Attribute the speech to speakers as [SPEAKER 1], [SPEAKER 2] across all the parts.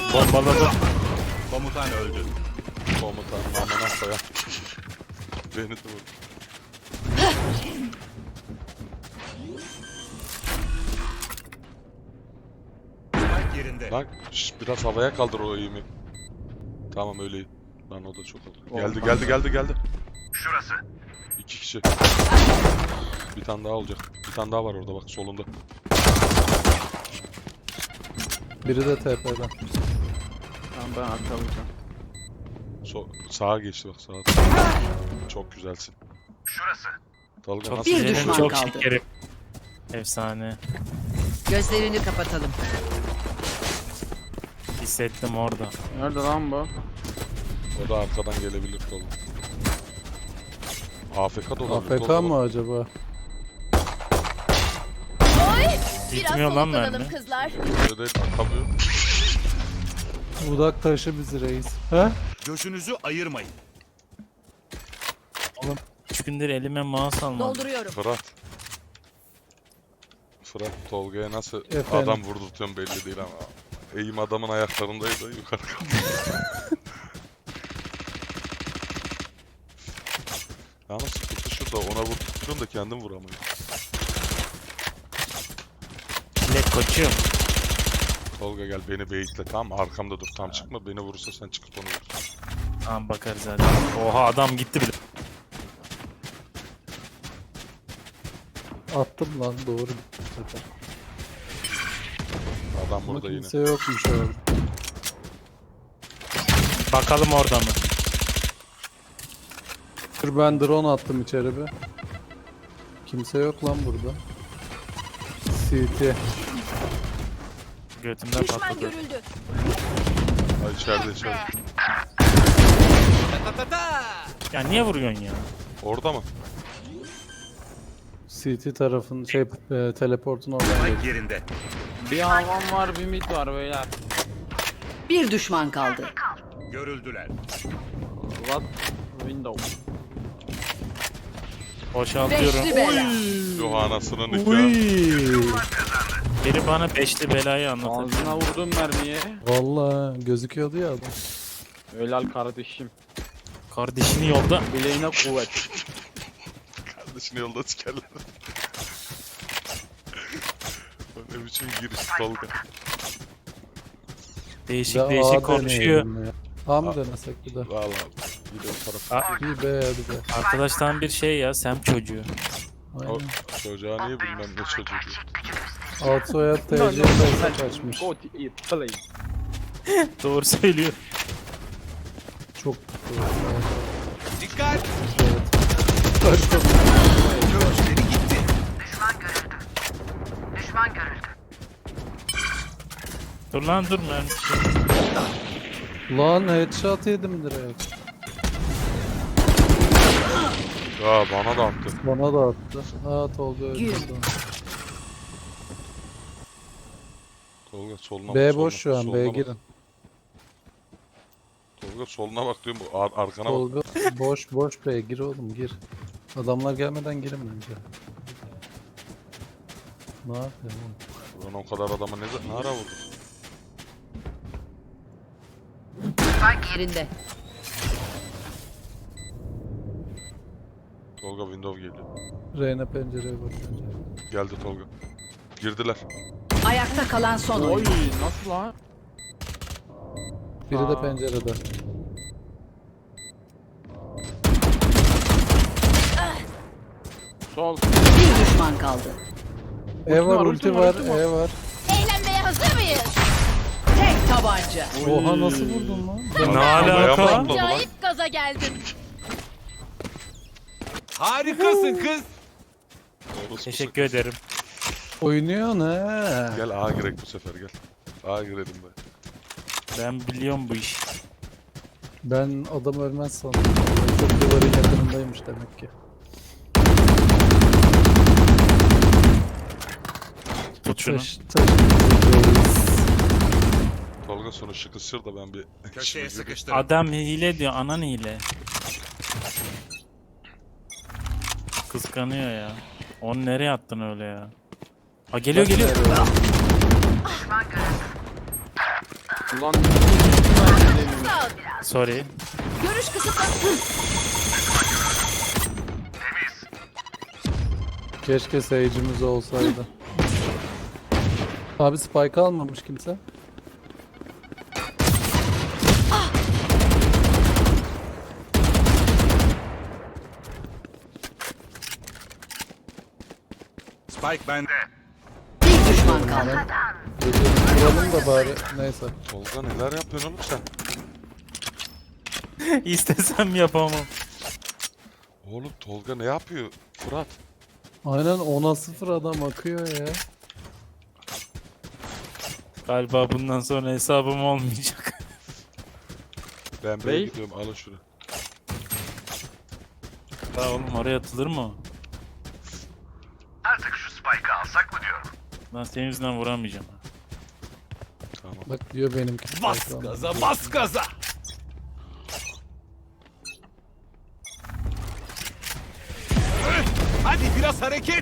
[SPEAKER 1] Bombaladım.
[SPEAKER 2] Komutan öldü.
[SPEAKER 3] Komutanım amına koyayım. Beni de vur.
[SPEAKER 2] Spike yerinde.
[SPEAKER 3] Lan biraz havaya kaldır o eğimi. Tamam öyle. Lan o da çok oldu. Geldi.
[SPEAKER 2] Şurası.
[SPEAKER 3] 2 kişi. Bir tane daha olacak. Bir tane daha var orada bak solunda.
[SPEAKER 4] Biri de TP'den.
[SPEAKER 5] Tamam ben arkalayacağım.
[SPEAKER 3] Sağa geçti bak sağa. Çok güzelsin.
[SPEAKER 2] Şurası.
[SPEAKER 3] Tolga
[SPEAKER 1] Çok
[SPEAKER 3] nasıl?
[SPEAKER 6] Bir
[SPEAKER 1] şekerim,
[SPEAKER 6] düşman
[SPEAKER 1] çok
[SPEAKER 6] kaldı.
[SPEAKER 1] şekerim. Efsane.
[SPEAKER 6] Gözlerini kapatalım.
[SPEAKER 1] Hissettim orada.
[SPEAKER 5] Nerede lan bu?
[SPEAKER 3] O da arkadan gelebilir Tolga. AFK da olabilir.
[SPEAKER 4] AFK
[SPEAKER 3] Tolga.
[SPEAKER 4] mı acaba?
[SPEAKER 1] Gitmiyor lan mermi.
[SPEAKER 7] kızlar.
[SPEAKER 3] Öyle değil atamıyor.
[SPEAKER 4] Budak taşı bizi reis. He?
[SPEAKER 2] Gözünüzü ayırmayın.
[SPEAKER 1] 3 gündür elime mouse almadım.
[SPEAKER 7] Dolduruyorum.
[SPEAKER 3] Fırat Tolga'ya nasıl
[SPEAKER 4] Efendim?
[SPEAKER 3] adam vurdurtuyorum belli değil ama. Eğim adamın ayaklarındaydı yukarı kalktı. Yalnız sıkıntı şurada ona vurdurtuyorum da kendim vuramıyorum.
[SPEAKER 1] Bilek koçum.
[SPEAKER 3] Tolga gel beni beyitle tamam arkamda dur tam çıkma beni vurursa sen çıkıp onu vur.
[SPEAKER 1] Tamam bakarız hadi. Oha adam gitti bile.
[SPEAKER 4] Attım lan doğru gitti bu sefer.
[SPEAKER 3] Adam
[SPEAKER 4] Ama
[SPEAKER 3] burada yine.
[SPEAKER 4] kimse yokmuş orada.
[SPEAKER 1] Bakalım orada mı?
[SPEAKER 4] Dur ben drone attım içeri bir. Kimse yok lan burada. CT.
[SPEAKER 1] Götümden
[SPEAKER 7] Düşman
[SPEAKER 1] patladı.
[SPEAKER 7] görüldü.
[SPEAKER 3] Ay içeride.
[SPEAKER 1] Ya niye vuruyorsun ya?
[SPEAKER 3] Orada mı?
[SPEAKER 4] CT tarafın teleportun oradan
[SPEAKER 2] Spike
[SPEAKER 4] geliyor.
[SPEAKER 2] yerinde.
[SPEAKER 5] Bir havan var bir mid var beyler.
[SPEAKER 6] Bir düşman kaldı.
[SPEAKER 2] Görüldüler.
[SPEAKER 5] What? Window.
[SPEAKER 1] Boşaltıyorum.
[SPEAKER 6] Beşli bela.
[SPEAKER 3] Yo anasının nikahı.
[SPEAKER 4] Uy.
[SPEAKER 1] Biri bana beşli belayı anlatır.
[SPEAKER 5] Ağzına vurdum mermiye.
[SPEAKER 4] Valla gözüküyordu ya adam.
[SPEAKER 5] Helal kardeşim.
[SPEAKER 1] Kardeşini yolda.
[SPEAKER 5] Bileğine kuvvet.
[SPEAKER 3] Kardeşini yolda sikerler. Ne biçim giriş Tolga.
[SPEAKER 1] Değişik
[SPEAKER 4] Bir de
[SPEAKER 1] değişik
[SPEAKER 4] A
[SPEAKER 1] konuşuyor.
[SPEAKER 4] deneyelim ya. A mı denesek bir de?
[SPEAKER 3] Valla gidiyor taraf.
[SPEAKER 1] Aa,
[SPEAKER 4] Bir B hadi be.
[SPEAKER 1] arkadaştan bir şey ya Sem çocuğu.
[SPEAKER 3] O
[SPEAKER 4] Aynen.
[SPEAKER 3] çocuğa niye bilmem ne çocuğu diyor.
[SPEAKER 4] Alt soyad TC olsa kaçmış.
[SPEAKER 5] Go to eat play.
[SPEAKER 1] Doğru söylüyor.
[SPEAKER 4] Çok
[SPEAKER 2] Dikkat.
[SPEAKER 4] evet. Kaçtım.
[SPEAKER 2] Gözleri gitti.
[SPEAKER 1] Dur lan dur mermi.
[SPEAKER 4] Lan headshot yedim direkt.
[SPEAKER 3] Ya bana da attı.
[SPEAKER 4] Bana da attı. At oldu öldürdü.
[SPEAKER 3] Tolga soluna
[SPEAKER 4] B
[SPEAKER 3] bak,
[SPEAKER 4] boş şu an.
[SPEAKER 3] soluna
[SPEAKER 4] B
[SPEAKER 3] bak.
[SPEAKER 4] girin.
[SPEAKER 3] Tolga soluna bak diyorum bu arkana bak.
[SPEAKER 4] Tolga boş B gir oğlum gir. Adamlar gelmeden girin bence. Ne yapıyorsun oğlum?
[SPEAKER 3] Ulan o kadar adama ne ara vurdu?
[SPEAKER 6] Yerinde.
[SPEAKER 3] Tolga window geliyor.
[SPEAKER 4] Reyna pencereye bak bence.
[SPEAKER 3] Geldi Tolga. Girdiler.
[SPEAKER 6] Ayakta kalan son
[SPEAKER 5] Oy
[SPEAKER 6] oyuncu.
[SPEAKER 5] nasıl lan?
[SPEAKER 4] Biri de
[SPEAKER 5] Aa.
[SPEAKER 4] pencerede.
[SPEAKER 5] Sol.
[SPEAKER 6] Bir düşman kaldı.
[SPEAKER 4] E var
[SPEAKER 5] var,
[SPEAKER 4] ulti
[SPEAKER 5] ulti
[SPEAKER 4] var
[SPEAKER 5] var, ulti var.
[SPEAKER 4] E var.
[SPEAKER 7] Eğlenmeye hazır mıyız?
[SPEAKER 6] Tek tabanca.
[SPEAKER 4] Oha nasıl vurdun lan?
[SPEAKER 1] Ne
[SPEAKER 3] Havaya mı
[SPEAKER 1] alaka?
[SPEAKER 3] atladı lan?
[SPEAKER 7] Acayip gaza geldim.
[SPEAKER 2] Harikasın kız.
[SPEAKER 3] Orası
[SPEAKER 1] Teşekkür ederim.
[SPEAKER 4] Oynuyorsun he.
[SPEAKER 3] Gel A girek bu sefer gel. A girelim be.
[SPEAKER 1] Ben biliyorum bu işi.
[SPEAKER 4] Ben adam ölmez sandım. Çok duvarın yakınındaymış demek ki.
[SPEAKER 1] Tut şunu.
[SPEAKER 4] Taş.
[SPEAKER 3] Tolga sonu şıkışır da ben bir
[SPEAKER 2] Köşeye
[SPEAKER 3] işime gireyim.
[SPEAKER 2] sıkıştırın.
[SPEAKER 1] Adam hile diyor, anan hile. Kıskanıyor ya. Onu nereye attın öyle ya? Ha geliyor geliyor.
[SPEAKER 5] Ulan
[SPEAKER 1] Sorry.
[SPEAKER 7] Görüş kısıtlanıyor.
[SPEAKER 4] Keşke Sage'imiz olsaydı. Abi spike almamış kimse.
[SPEAKER 2] Spike bende.
[SPEAKER 6] Bir düşman kaldı.
[SPEAKER 4] Geceyi vuralım da bari. Neyse.
[SPEAKER 3] Tolga neler yapıyorsun oğlum sen?
[SPEAKER 1] İstesem yapamam.
[SPEAKER 3] Oğlum Tolga ne yapıyor? Fırat.
[SPEAKER 4] Aynen 10'a 0 adam akıyor ya.
[SPEAKER 1] Galiba bundan sonra hesabım olmayacak.
[SPEAKER 3] Ben buraya
[SPEAKER 5] Bey.
[SPEAKER 3] gidiyorum alın şunu.
[SPEAKER 1] Ya oğlum oraya atılır mı o?
[SPEAKER 2] Artık şu Spike'ı alsak mı diyorum.
[SPEAKER 1] Ben senin yüzünden vuramayacağım.
[SPEAKER 3] Tamam.
[SPEAKER 4] Bak diyor benimki.
[SPEAKER 2] Bas
[SPEAKER 4] spike almış.
[SPEAKER 2] gaza, bas gaza. Hadi biraz hareket.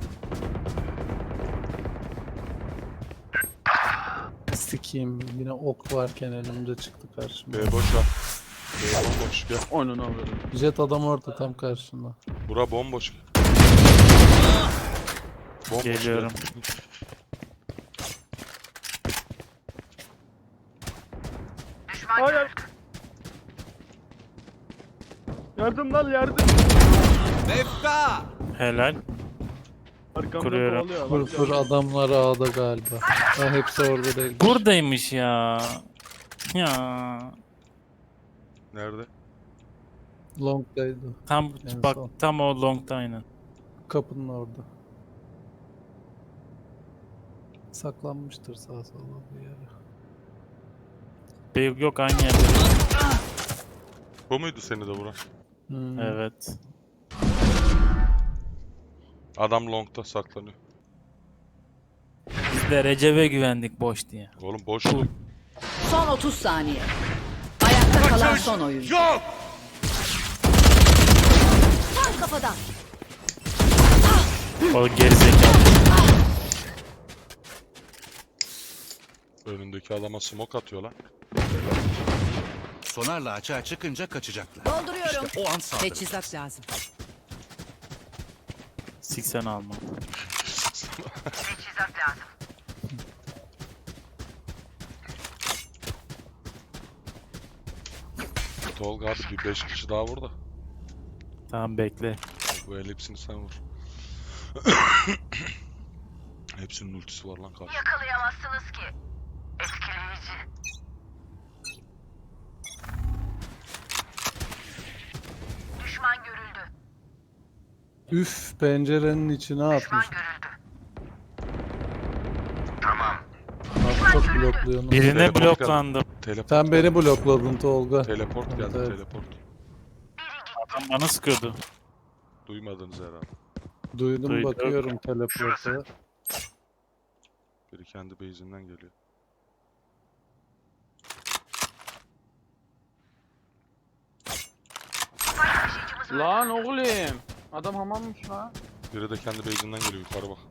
[SPEAKER 4] Sikiyim yine ok varken elimde çıktı karşıma.
[SPEAKER 3] B boş ver. B bomboş gel.
[SPEAKER 5] Oyununu alırım.
[SPEAKER 4] Jet adam orada tam karşında.
[SPEAKER 3] Bura bomboş. Bomboş
[SPEAKER 1] Geliyorum.
[SPEAKER 3] gel.
[SPEAKER 5] Hayır. Yardım lan yardım.
[SPEAKER 2] Nefta.
[SPEAKER 1] Helal.
[SPEAKER 5] Arkamda
[SPEAKER 1] Kuruyorum.
[SPEAKER 5] kovalıyor.
[SPEAKER 4] Fır adamlar A'da galiba. Ha, hepsi orada değil.
[SPEAKER 1] Buradaymış ya. Ya.
[SPEAKER 3] Nerede?
[SPEAKER 4] Long'daydı.
[SPEAKER 1] Tam
[SPEAKER 4] En
[SPEAKER 1] bak
[SPEAKER 4] son.
[SPEAKER 1] tam o long'da aynen.
[SPEAKER 4] Kapının orada. Saklanmıştır sağa sola bir yere.
[SPEAKER 1] Yok aynı yerde.
[SPEAKER 3] Bu muydu seni de vuran?
[SPEAKER 4] Hmm.
[SPEAKER 1] Evet.
[SPEAKER 3] Adam long'da saklanıyor.
[SPEAKER 1] Biz de Recep'e güvendik boş diye.
[SPEAKER 3] Oğlum boş.
[SPEAKER 6] Son 30 saniye. Ayakta kalan son oyuncu.
[SPEAKER 2] Yok.
[SPEAKER 7] Tam kafadan.
[SPEAKER 1] O gerizekalı.
[SPEAKER 3] Önündeki adama smoke atıyor lan.
[SPEAKER 2] Sonarla açığa çıkınca kaçacaklar.
[SPEAKER 7] Dolduruyorum.
[SPEAKER 2] O an saldırı.
[SPEAKER 6] Teçhizat lazım.
[SPEAKER 1] 80 alma.
[SPEAKER 3] Tolga abi bir 5 kişi daha vur da.
[SPEAKER 1] Tamam bekle.
[SPEAKER 3] Bu el hepsini sen vur. Hepsinin ultisi var lan karşı.
[SPEAKER 8] Yakalayamazsınız ki. Etkileyici. Düşman görüldü.
[SPEAKER 4] Üf pencerenin içine atmış.
[SPEAKER 8] Görüldü.
[SPEAKER 4] Abi çok blokluyorsun.
[SPEAKER 1] Birine
[SPEAKER 3] Teleport
[SPEAKER 1] bloklandım.
[SPEAKER 3] Teleport.
[SPEAKER 4] Sen beni blokladın Tolga.
[SPEAKER 3] Teleport geldi
[SPEAKER 4] Evet.
[SPEAKER 3] teleport.
[SPEAKER 1] Adam bana sıkıyordu.
[SPEAKER 3] Duymadınız herhalde.
[SPEAKER 4] Duydum
[SPEAKER 1] Duydum.
[SPEAKER 4] bakıyorum teleporta.
[SPEAKER 3] Biri kendi base'inden geliyor.
[SPEAKER 5] Lan oğlum. Adam hamammış lan.
[SPEAKER 3] Biri de kendi base'inden geliyor yukarı bak.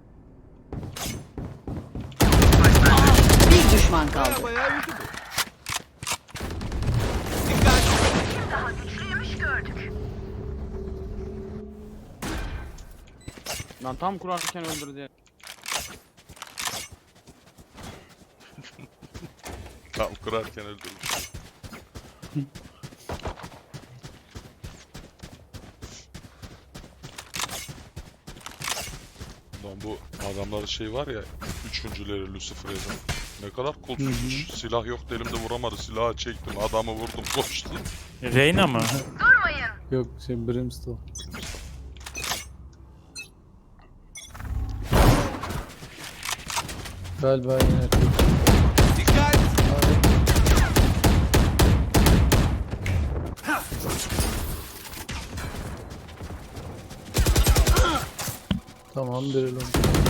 [SPEAKER 6] Bir düşman kaldı.
[SPEAKER 2] Bayağı iyiydi bu. Dikkat.
[SPEAKER 8] Daha güçlüymüş gördük.
[SPEAKER 5] Lan tam kurarken öldürdü.
[SPEAKER 3] Tam kurarken öldürmüş. Lan bu adamların şey var ya, üçüncüleri Lucifer yazan. Ne kadar kulsuzmuş. Silah yoktu elimde vuramadı. Silahı çektim, adamı vurdum, koştum.
[SPEAKER 1] Reyna mı?
[SPEAKER 8] Durmayın.
[SPEAKER 4] Yok şey Brimstone. Galiba yine
[SPEAKER 2] Dikkat.
[SPEAKER 4] tamam direlim.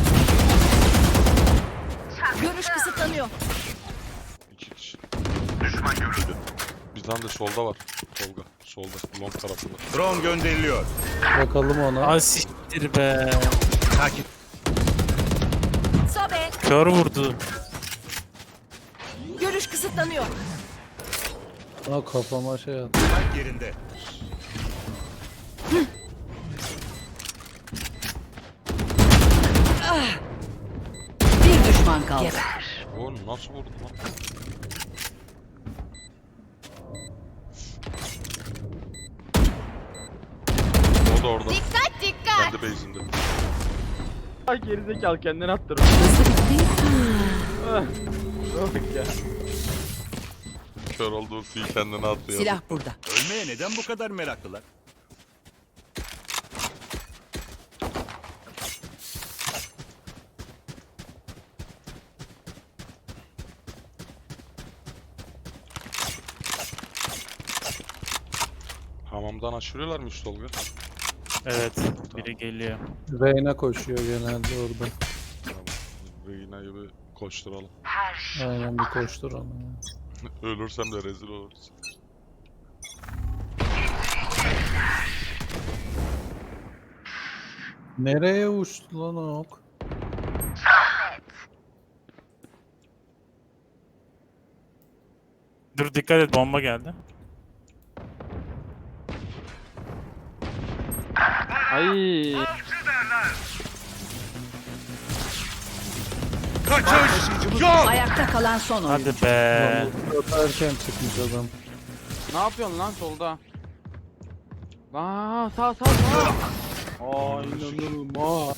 [SPEAKER 7] Görüş kısıtlanıyor.
[SPEAKER 3] 2 kişi. Düşman görüldü. Bir tane de solda var. Tolga. Solda. Long tarafında.
[SPEAKER 2] Drone gönderiliyor.
[SPEAKER 4] Bakalım ona.
[SPEAKER 1] Ay siktir be.
[SPEAKER 2] Takip.
[SPEAKER 7] Sobe.
[SPEAKER 1] Kör vurdu.
[SPEAKER 7] Görüş kısıtlanıyor.
[SPEAKER 4] Aa, kafama şey attı.
[SPEAKER 2] Spike yerinde.
[SPEAKER 6] Bir düşman kaldı.
[SPEAKER 3] O nasıl vurdu lan? O da orada.
[SPEAKER 7] Dikkat dikkat.
[SPEAKER 3] Kendi base'inde.
[SPEAKER 5] Ay gerizekalı kendini attırır. Ah, Bak ya.
[SPEAKER 3] Kör olduğu ultiyi kendine attı ya.
[SPEAKER 6] Silah burada.
[SPEAKER 2] Ölmeye neden bu kadar meraklılar?
[SPEAKER 3] Hamamdan aşırıyorlar mı üst Tolga?
[SPEAKER 1] Evet. Biri geliyor.
[SPEAKER 4] Reyna koşuyor genelde orada.
[SPEAKER 3] Tamam. Reyna'yı bir koşturalım.
[SPEAKER 4] Aynen bir koştur onu.
[SPEAKER 3] Ölürsem de rezil oluruz.
[SPEAKER 4] Nereye uçtu lan o ok?
[SPEAKER 1] Dur dikkat et, bomba geldi.
[SPEAKER 5] Ay.
[SPEAKER 2] Kaçış! Yok!
[SPEAKER 6] Ayakta kalan son oyuncu.
[SPEAKER 1] Hadi be.
[SPEAKER 4] Çok erken çıkmış adam.
[SPEAKER 5] Ne yapıyorsun lan solda? Aa sağ. Aa inanılmaz.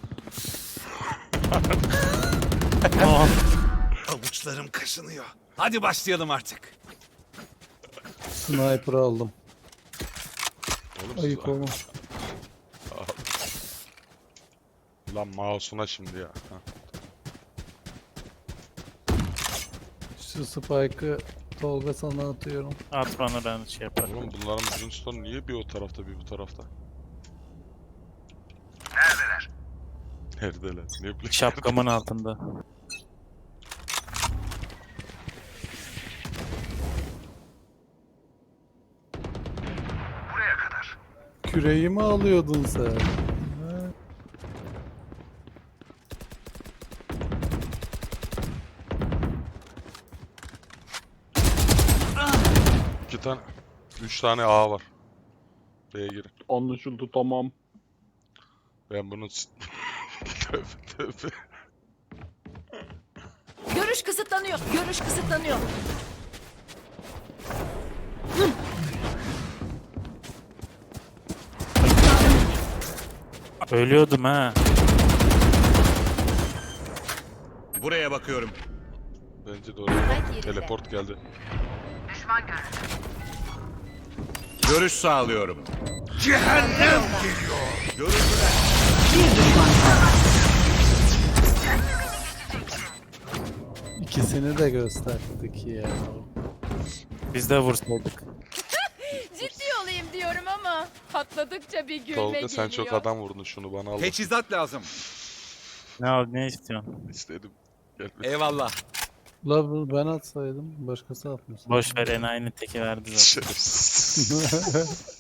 [SPEAKER 1] Oh.
[SPEAKER 2] Avuçlarım kaşınıyor. Hadi başlayalım artık.
[SPEAKER 4] Sniper aldım.
[SPEAKER 3] Oğlum siz...
[SPEAKER 4] Ayık olma.
[SPEAKER 3] Lan mouse'una şimdi ya. Ha.
[SPEAKER 4] Şu spike'ı Tolga sana atıyorum.
[SPEAKER 1] At bana, ben şey yaparım.
[SPEAKER 3] Oğlum bunların Brimstone niye bir o tarafta bir bu tarafta? Neredeler? Ne bileyim.
[SPEAKER 1] Şapkamın altında.
[SPEAKER 4] Küreği mi alıyordun sen? Ha?
[SPEAKER 3] İki tane, üç tane A var. B'ye girin.
[SPEAKER 5] Anlaşıldı tamam.
[SPEAKER 3] Ben bunu... tövbe tövbe.
[SPEAKER 7] Görüş kısıtlanıyor. Görüş kısıtlanıyor.
[SPEAKER 1] Ölüyordum ha.
[SPEAKER 2] Buraya bakıyorum.
[SPEAKER 3] Bence de oraya
[SPEAKER 7] yerinde.
[SPEAKER 3] teleport geldi.
[SPEAKER 8] Düşman görüldü.
[SPEAKER 2] Görüş sağlıyorum. Cehennem geliyor. Görüldüler.
[SPEAKER 6] Bir düşman kaldı.
[SPEAKER 4] İkisini de gösterdik ya.
[SPEAKER 1] Biz de vursaydık.
[SPEAKER 7] Ciddi olayım diyorum ama patladıkça bir gülme
[SPEAKER 3] Tolga
[SPEAKER 7] geliyor.
[SPEAKER 3] sen çok adam vurdun, şunu bana al.
[SPEAKER 2] Teçhizat lazım.
[SPEAKER 1] Ne istiyorsun?
[SPEAKER 3] İstedim. Gel.
[SPEAKER 2] Eyvallah.
[SPEAKER 4] La ben atsaydım başkası atmış.
[SPEAKER 1] Boş ver, en aynı teki verdi zaten.
[SPEAKER 3] Şerefsiz.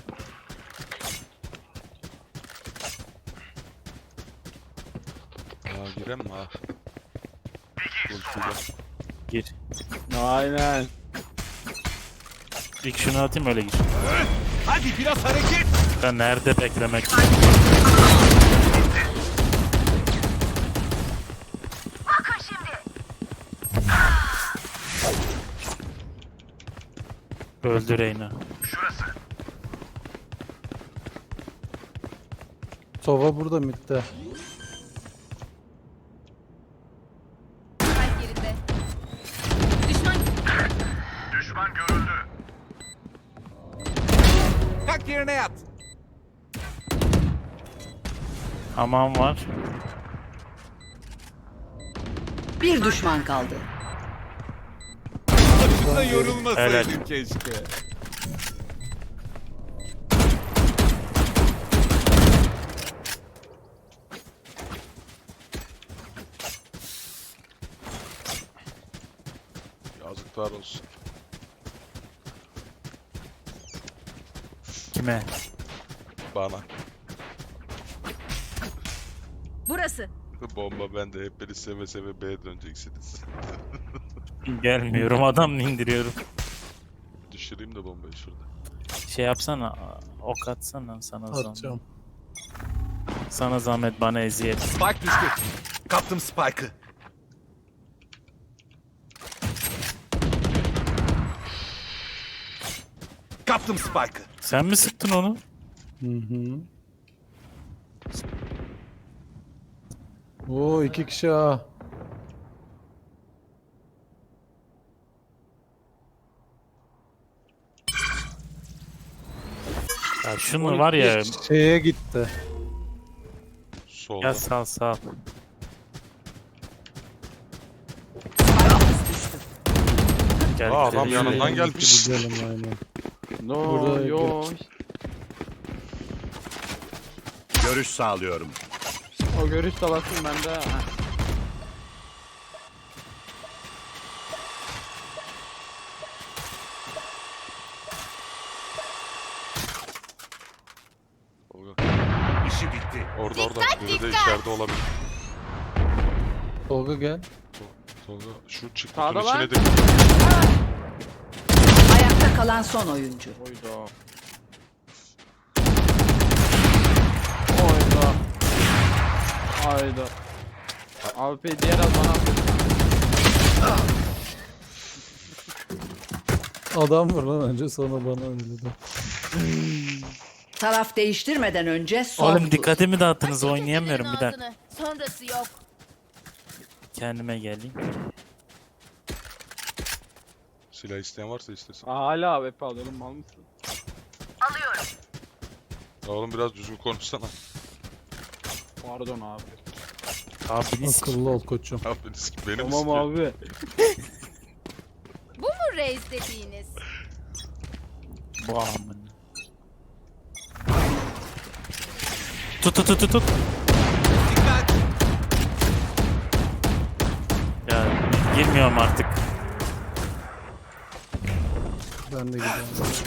[SPEAKER 3] Aa giren mi ha? Ultiyle.
[SPEAKER 1] Gir.
[SPEAKER 5] Aynen.
[SPEAKER 1] İlk şunu atayım, öyle gir.
[SPEAKER 2] Hadi biraz hareket.
[SPEAKER 1] Ben nerede beklemek?
[SPEAKER 8] Bakın şimdi.
[SPEAKER 1] Öldü Reyna.
[SPEAKER 4] Sova burada midde.
[SPEAKER 7] Kalp yerinde. Düşman
[SPEAKER 2] Kalk yerine yat.
[SPEAKER 1] Hamam var.
[SPEAKER 6] Bir düşman kaldı.
[SPEAKER 2] Da yorulmasaydın
[SPEAKER 1] Helal.
[SPEAKER 2] keşke.
[SPEAKER 3] Yazıklar olsun.
[SPEAKER 1] Kime?
[SPEAKER 3] Bana.
[SPEAKER 7] burası.
[SPEAKER 3] Bomba bende, hep beni seve seve B'ye döneceksiniz.
[SPEAKER 1] Gelmiyorum, adam indiriyorum.
[SPEAKER 3] Düşüreyim de bombayı şurada.
[SPEAKER 1] Şey yapsana, ok atsana sana zahmet.
[SPEAKER 4] Atacağım.
[SPEAKER 1] Sana zahmet, bana eziyet.
[SPEAKER 2] Spike düştü. Kaptım Spike'ı. Kaptım Spike'ı.
[SPEAKER 1] Sen mi sıktın onu?
[SPEAKER 4] Hı hı. Oo 2 kişi ha.
[SPEAKER 1] Ya şunu var ya,
[SPEAKER 4] Şeye gitti.
[SPEAKER 3] Solda.
[SPEAKER 1] ya sal sal. Gel,
[SPEAKER 3] Aa, adam
[SPEAKER 1] gel.
[SPEAKER 3] yanından gelmiş.
[SPEAKER 4] Gidelim aynen.
[SPEAKER 5] No
[SPEAKER 4] Burada
[SPEAKER 5] yo.
[SPEAKER 2] Görüş sağlıyorum.
[SPEAKER 5] O görüş salasın bende. Ha.
[SPEAKER 3] Tolga.
[SPEAKER 2] İşi bitti.
[SPEAKER 3] Orada. Biri de içeride olabilir.
[SPEAKER 4] Tolga gel.
[SPEAKER 3] Tolga şu çıktı
[SPEAKER 5] Sağda
[SPEAKER 3] içine
[SPEAKER 5] lan.
[SPEAKER 3] de.
[SPEAKER 6] Ayakta kalan son oyuncu.
[SPEAKER 5] Oyda. Oyda. Hayda. Abi diğer az bana atıyor.
[SPEAKER 4] Adam var lan önce sonra bana öyle de.
[SPEAKER 6] Taraf değiştirmeden önce son
[SPEAKER 1] Oğlum
[SPEAKER 6] tur.
[SPEAKER 1] dikkatimi dağıttınız,
[SPEAKER 7] Açın
[SPEAKER 1] oynayamıyorum bir
[SPEAKER 7] pencerenin
[SPEAKER 1] dakika.
[SPEAKER 7] ağzını. Sonrası yok.
[SPEAKER 1] Kendime geleyim.
[SPEAKER 3] Silah isteyen varsa istesin.
[SPEAKER 5] Hala AWP alıyorum mal mısın?
[SPEAKER 8] Alıyorum.
[SPEAKER 3] Ya oğlum biraz düzgün konuşsana.
[SPEAKER 5] Pardon abi.
[SPEAKER 1] Abiniz
[SPEAKER 4] Akıllı ol koçum.
[SPEAKER 3] Abiniz benim
[SPEAKER 5] Tamam
[SPEAKER 3] istiyor.
[SPEAKER 5] abi.
[SPEAKER 7] Bu mu reis dediğiniz?
[SPEAKER 1] bu amın. Tut.
[SPEAKER 2] Dikkat.
[SPEAKER 1] Ya girmiyorum artık.
[SPEAKER 4] Ben de gidiyorum.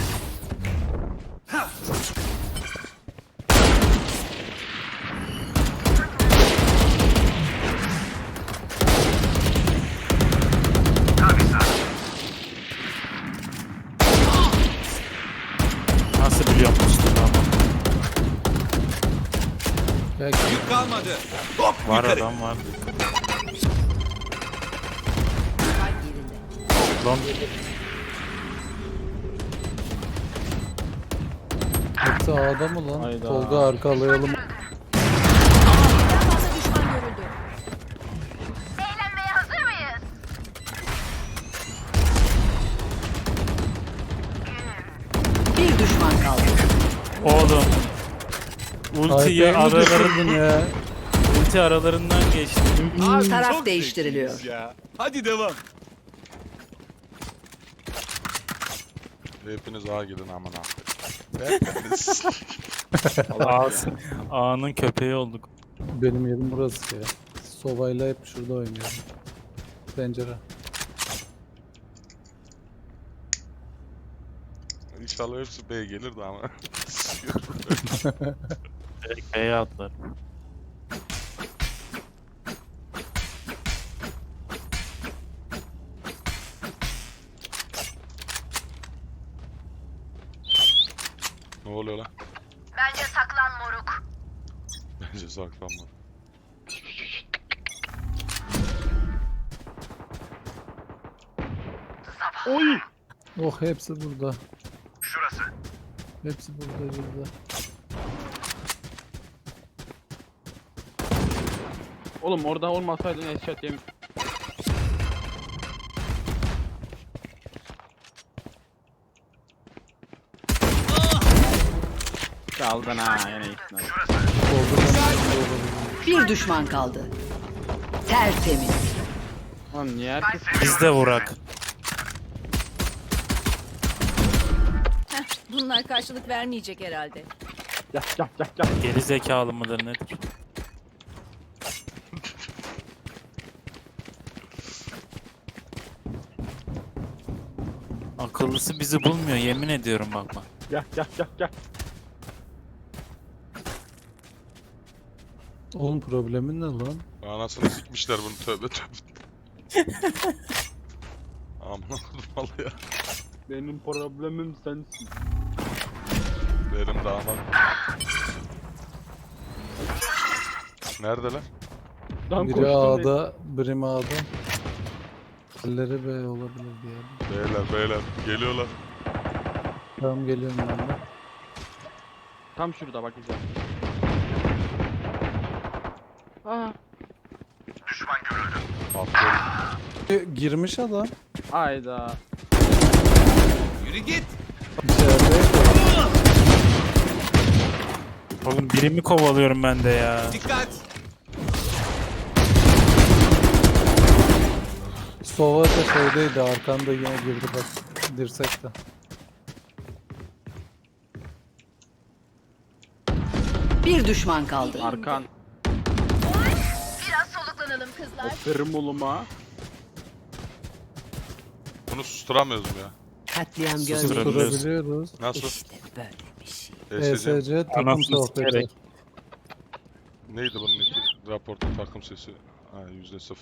[SPEAKER 1] Nasıl biliyorum usta ama.
[SPEAKER 4] Belki
[SPEAKER 2] Yük kalmadı. Hop
[SPEAKER 1] Var
[SPEAKER 2] yukarı.
[SPEAKER 1] adam var.
[SPEAKER 6] Kalp yerinde.
[SPEAKER 1] Lan
[SPEAKER 4] hepsi A'da mı lan?
[SPEAKER 5] Hayda.
[SPEAKER 4] Tolga arkalayalım.
[SPEAKER 6] Birden fazla düşman görüldü.
[SPEAKER 8] Eğlenmeye hazır mıyız?
[SPEAKER 6] Bir düşman kaldı.
[SPEAKER 1] oğlum. Ultiyi
[SPEAKER 4] Ayaklarını düşürdün ya.
[SPEAKER 1] ulti aralarından geçti.
[SPEAKER 2] Abi,
[SPEAKER 6] Taraf
[SPEAKER 2] çok
[SPEAKER 6] değiştiriliyor.
[SPEAKER 2] zekiyiz ya. Hadi devam.
[SPEAKER 3] Hepiniz ağa gidin amına. Hepiniz.
[SPEAKER 1] A'nın köpeği olduk.
[SPEAKER 4] Benim yerim burası ya. Sovayla hep şurada oynuyorum. Pencere.
[SPEAKER 3] İnşallah hepsi B gelir de ama.
[SPEAKER 1] Direkt B'ye atlar.
[SPEAKER 3] Ne oluyor lan?
[SPEAKER 8] Bence saklan moruk.
[SPEAKER 3] Bence saklanma.
[SPEAKER 5] Oy.
[SPEAKER 4] Oh hepsi burada.
[SPEAKER 2] Şurası.
[SPEAKER 4] Hepsi burada.
[SPEAKER 5] Oğlum orada olmasaydın headshot yemin. Çaldın ha yine gittin abi.
[SPEAKER 6] Bir düşman kaldı. Tertemiz.
[SPEAKER 5] Lan niye herkes
[SPEAKER 1] Biz de vurak.
[SPEAKER 7] Bunlar karşılık vermeyecek herhalde.
[SPEAKER 5] gel.
[SPEAKER 1] Geri zekalı mıdır nedir? Akıllısı bizi bulmuyor, yemin ediyorum bakma.
[SPEAKER 5] Gel.
[SPEAKER 4] Oğlum problemin ne lan?
[SPEAKER 3] Anasını sikmişler bunu tövbe. Amına koydum vallahi ya.
[SPEAKER 5] Benim problemim sensin.
[SPEAKER 3] Benim damat. Neredeler?
[SPEAKER 5] Dan
[SPEAKER 4] Biri
[SPEAKER 5] koştum.
[SPEAKER 4] A'da, biri A'da. Elleri B olabilir diyelim.
[SPEAKER 3] Beyler geliyorlar.
[SPEAKER 4] Tamam geliyorum ben de.
[SPEAKER 5] Tam şurada bak güzel. Aa,
[SPEAKER 3] Aferin.
[SPEAKER 4] Girmiş adam.
[SPEAKER 5] ayda.
[SPEAKER 2] Yürü git.
[SPEAKER 4] İçeride.
[SPEAKER 1] Oğlum birimi kovalıyorum ben de ya.
[SPEAKER 2] Dikkat.
[SPEAKER 4] Sova da şeydeydi, arkanda yine girdi bak. Dirsekte.
[SPEAKER 6] Bir düşman kaldı.
[SPEAKER 5] Arkan.
[SPEAKER 7] Biraz soluklanalım kızlar.
[SPEAKER 5] Aferin oğluma.
[SPEAKER 3] Bunu susturamıyoruz mu ya?
[SPEAKER 6] Katliam
[SPEAKER 1] Susturabiliyoruz.
[SPEAKER 4] Durabiliyoruz.
[SPEAKER 3] Nasıl?
[SPEAKER 6] İşte böyle bir şey.
[SPEAKER 4] ESC takım
[SPEAKER 1] Anasını
[SPEAKER 4] sohbeti.
[SPEAKER 1] sikerek.
[SPEAKER 3] Neydi bunun iki? Raporta takım sesi. Ha %0.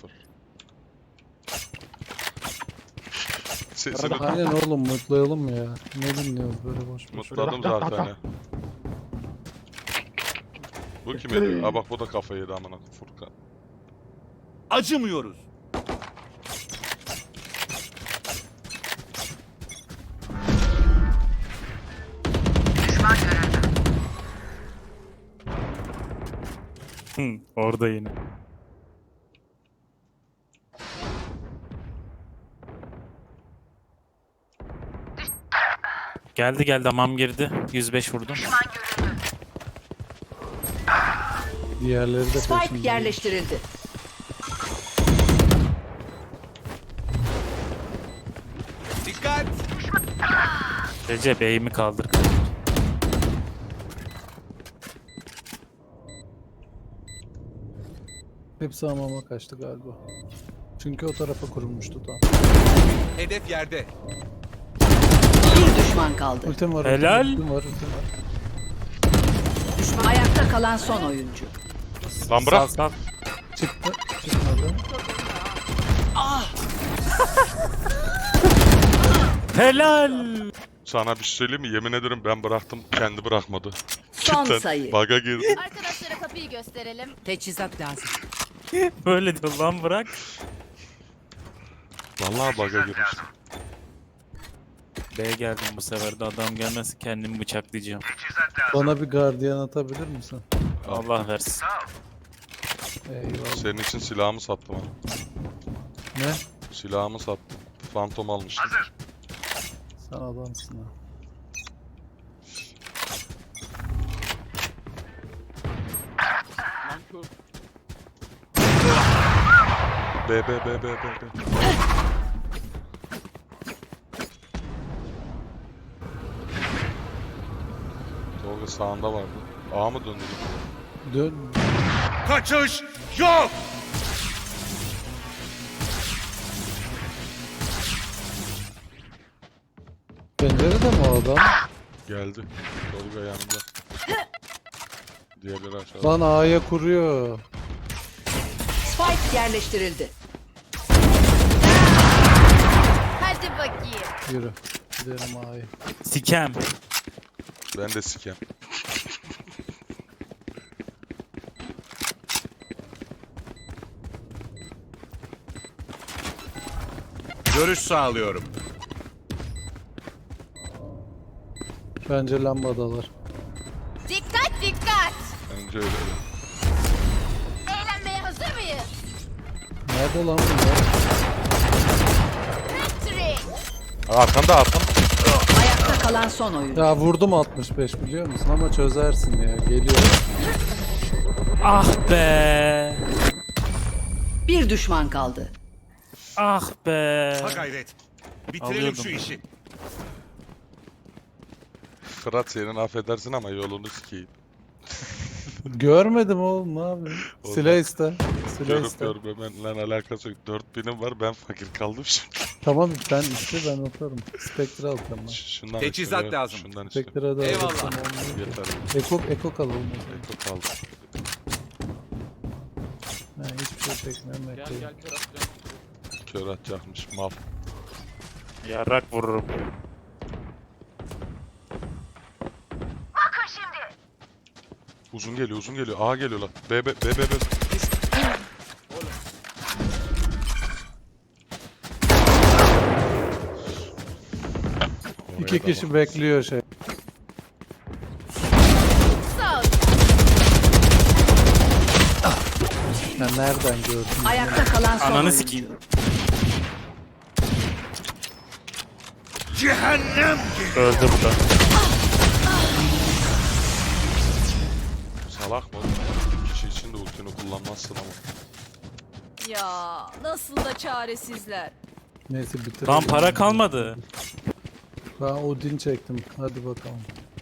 [SPEAKER 3] Sesini
[SPEAKER 4] Aynen oğlum mutlayalım ya. Ne dinliyoruz böyle boş boş.
[SPEAKER 3] mutladım zaten ya. Bu kim ediyor? Ha bak bu da kafayı yedi amına Furkan.
[SPEAKER 2] Acımıyoruz.
[SPEAKER 1] Hı, orada yine. Geldi hamam girdi. 105 vurdum.
[SPEAKER 4] Diğerleri de
[SPEAKER 6] Spike
[SPEAKER 4] peşinde.
[SPEAKER 6] yerleştirildi.
[SPEAKER 2] Dikkat.
[SPEAKER 1] Recep eğimi kaldır.
[SPEAKER 4] Hepsi hamama kaçtı galiba. Çünkü o tarafa kurulmuştu tam.
[SPEAKER 2] Hedef yerde.
[SPEAKER 6] Bir düşman kaldı.
[SPEAKER 4] Ultim var.
[SPEAKER 1] Helal.
[SPEAKER 4] Ultim var.
[SPEAKER 6] Düşman ayakta kalan son oyuncu.
[SPEAKER 3] Lan bırak.
[SPEAKER 1] Sal.
[SPEAKER 4] Çıktı. Çıkmadı.
[SPEAKER 1] Helal.
[SPEAKER 3] Sana bir şey söyleyeyim mi? Yemin ederim ben bıraktım. Kendi bırakmadı.
[SPEAKER 6] Son
[SPEAKER 3] Cidden
[SPEAKER 6] sayı.
[SPEAKER 3] Bug'a girdi.
[SPEAKER 7] Arkadaşlara kapıyı gösterelim.
[SPEAKER 6] Teçhizat lazım.
[SPEAKER 1] Böyle diyor lan bırak.
[SPEAKER 3] Vallahi bug'a girmiş.
[SPEAKER 1] B'ye geldim bu sefer de adam gelmezse kendimi bıçaklayacağım.
[SPEAKER 4] Bana bir gardiyan atabilir misin?
[SPEAKER 1] Allah versin.
[SPEAKER 4] Eyvallah.
[SPEAKER 3] Senin için silahımı sattım ha.
[SPEAKER 4] Ne?
[SPEAKER 3] Silahımı sattım. Phantom almıştım.
[SPEAKER 4] Sen adamsın ha.
[SPEAKER 5] Lan kör.
[SPEAKER 3] B. Tolga sağında vardı. A mı döndü?
[SPEAKER 4] Dön.
[SPEAKER 2] Kaçış yok.
[SPEAKER 4] Pencerede mi o adam?
[SPEAKER 3] Geldi. Tolga yanımda. Diğerleri aşağıda.
[SPEAKER 4] Lan A'ya kuruyor.
[SPEAKER 6] Spike yerleştirildi.
[SPEAKER 7] Hadi bakayım.
[SPEAKER 4] Yürü. Gidelim A'ya.
[SPEAKER 1] Sikem.
[SPEAKER 3] Ben de sikem.
[SPEAKER 2] Görüş sağlıyorum.
[SPEAKER 4] Bence lambadalar.
[SPEAKER 7] Dikkat dikkat.
[SPEAKER 3] Bence öyle.
[SPEAKER 7] Eğlenmeye hazır mıyız?
[SPEAKER 4] Nerede lan bunlar?
[SPEAKER 7] Victory.
[SPEAKER 3] Arkanda.
[SPEAKER 6] Ayakta kalan son oyuncu.
[SPEAKER 4] Ya vurdum 65 biliyor musun ama çözersin ya. Geliyor.
[SPEAKER 1] Ah be.
[SPEAKER 6] Bir düşman kaldı.
[SPEAKER 1] Ah be.
[SPEAKER 2] Ha gayret. Bitirelim
[SPEAKER 1] Alıyordum.
[SPEAKER 2] şu işi.
[SPEAKER 3] Fırat senin affedersin ama yolunu sikeyim.
[SPEAKER 4] Görmedim oğlum ne yapayım?
[SPEAKER 3] Oğlum
[SPEAKER 4] Silah iste. Silah
[SPEAKER 3] Görüp
[SPEAKER 4] iste.
[SPEAKER 3] görmemenle alakası yok. 4000'im var ben fakir kaldım şimdi.
[SPEAKER 4] Tamam sen iste ben atarım. Spectre alacağım ben.
[SPEAKER 3] Şundan
[SPEAKER 2] Teçhizat
[SPEAKER 3] istiyorum,
[SPEAKER 2] lazım.
[SPEAKER 3] Şundan istiyorum.
[SPEAKER 4] Spectre'a da
[SPEAKER 2] Eyvallah.
[SPEAKER 4] alırsam olmuyor.
[SPEAKER 3] Yeter.
[SPEAKER 4] Eko alalım o zaman.
[SPEAKER 3] Eko kaldı.
[SPEAKER 4] Ha, hiçbir şey çekmiyorum.
[SPEAKER 5] Gel
[SPEAKER 4] Eko'yu.
[SPEAKER 5] gel kör atacağım.
[SPEAKER 3] Kör atacakmış mal.
[SPEAKER 1] Yarrak vururum.
[SPEAKER 8] Bakın şimdi.
[SPEAKER 3] Uzun geliyor, uzun geliyor. A geliyor lan. B.
[SPEAKER 4] İki kişi bekliyor şey.
[SPEAKER 7] Sağ ol.
[SPEAKER 4] Ya nereden gördün?
[SPEAKER 6] Ayakta kalan son
[SPEAKER 1] Ananı
[SPEAKER 6] oyuncu.
[SPEAKER 1] sikeyim.
[SPEAKER 2] Cehennem.
[SPEAKER 1] Öldü bu da.
[SPEAKER 3] Salak mı oğlum? Bir kişi için de ultini kullanmazsın ama.
[SPEAKER 7] Ya nasıl da çaresizler.
[SPEAKER 4] Neyse bitir.
[SPEAKER 1] Lan para kalmadı.
[SPEAKER 4] Ben Odin çektim. Hadi bakalım.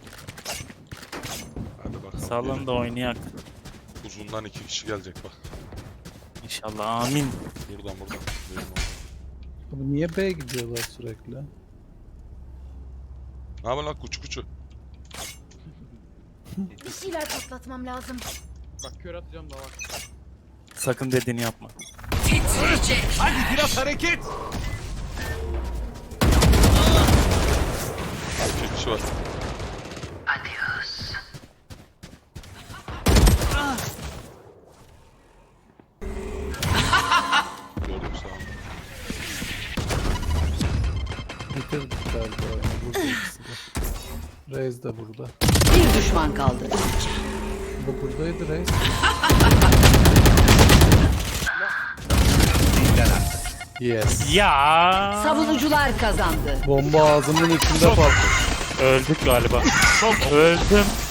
[SPEAKER 3] Hadi bakalım.
[SPEAKER 1] Salın da oynayak.
[SPEAKER 3] Uzundan 2 kişi gelecek bak.
[SPEAKER 1] İnşallah amin.
[SPEAKER 3] Buradan. Benim oradan.
[SPEAKER 4] Abi niye B gidiyorlar sürekli?
[SPEAKER 3] Ne yapıyorsun lan kuçu?
[SPEAKER 7] Bir şeyler patlatmam lazım.
[SPEAKER 5] Bak kör atacağım da bak.
[SPEAKER 1] Sakın dediğini yapma.
[SPEAKER 2] Hadi biraz hareket.
[SPEAKER 3] 2 kişi var. Gördüm sağ ol.
[SPEAKER 4] Bitirdik galiba oyunu. Burada ikisi de. Reis de burada.
[SPEAKER 6] Bir düşman kaldı.
[SPEAKER 4] Bu buradaydı Reis. Yes.
[SPEAKER 1] Ya.
[SPEAKER 6] Savunucular kazandı.
[SPEAKER 4] Bomba ağzımın içinde patladı.
[SPEAKER 1] Öldük galiba. Öldüm.